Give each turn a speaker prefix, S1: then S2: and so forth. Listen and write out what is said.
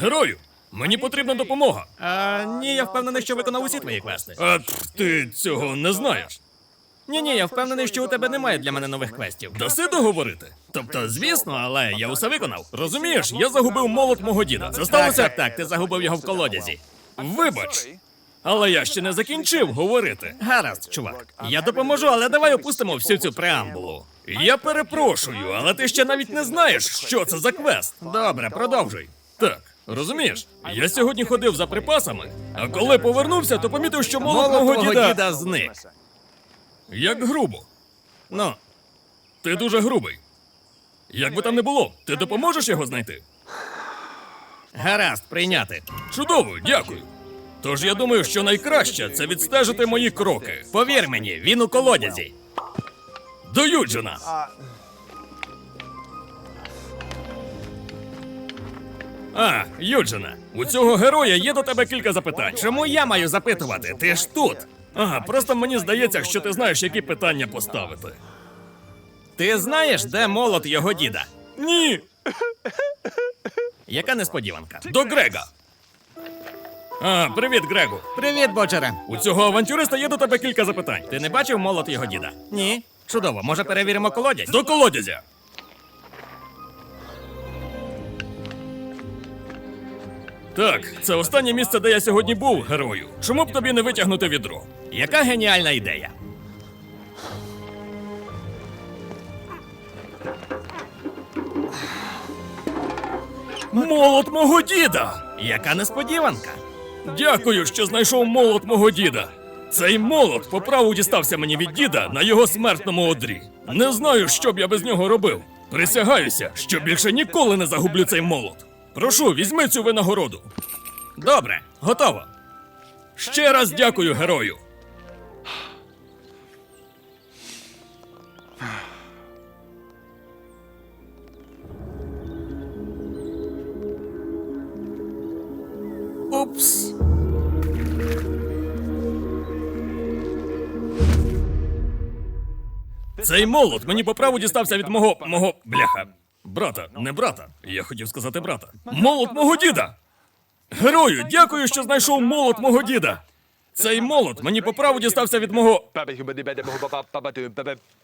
S1: Герою, мені потрібна допомога.
S2: Ні, я впевнений, що виконав усі твої квести.
S1: А ти цього не знаєш.
S2: Ні, я впевнений, що у тебе немає для мене нових квестів.
S1: Даси договорити? Тобто, звісно, але я усе виконав. Розумієш, я загубив молот мого діда. Це сталося?
S2: Так, ти загубив його в колодязі.
S1: Вибач. Але я ще не закінчив говорити.
S2: Гаразд, чувак. Я допоможу, але давай опустимо всю цю преамбулу.
S1: Я перепрошую, але ти ще навіть не знаєш, що це за квест.
S2: Добре, продовжуй.
S1: Так, розумієш, я сьогодні ходив за припасами, а коли повернувся, то помітив, що молот
S2: Молот
S1: мого
S2: твого
S1: діда...
S2: діда зник.
S1: Як грубо.
S2: Ну,
S1: Ти дуже грубий. Як би там не було, ти допоможеш його знайти?
S2: гаразд, прийняти.
S1: Чудово, дякую. Тож я думаю, що найкраще це відстежити мої кроки.
S2: Повір мені, він у колодязі.
S1: До Юджина! Юджина, у цього героя є до тебе кілька запитань.
S2: Чому я маю запитувати? Ти ж тут.
S1: Просто мені здається, що ти знаєш, які питання поставити.
S2: Ти знаєш, де молот його діда?
S1: Ні,
S2: Яка несподіванка.
S1: до Грега. Привіт, Грегу.
S2: Привіт, Боджере.
S1: У цього авантюриста є до тебе кілька запитань.
S2: Ти не бачив молот його діда? Ні. Чудово, може перевіримо колодязь?
S1: До колодязя. Так, це останнє місце, де я сьогодні був, герою. Чому б тобі не витягнути відро?
S2: Яка геніальна ідея.
S1: Молот мого діда!
S2: Яка несподіванка.
S1: Дякую, що знайшов молот мого діда. Цей молот по праву дістався мені від діда на його смертному одрі. Не знаю, що б я без нього робив. Присягаюся, що більше ніколи не загублю цей молот. Прошу, візьми цю винагороду.
S2: Добре, готово.
S1: Ще раз дякую, герою.
S2: Упс.
S1: Цей молот мені по праву дістався від мого бляха. Брата, не брата. Я хотів сказати брата. Молот мого діда! Герою, дякую, що знайшов молот мого діда. Цей молот мені по праву дістався від мого...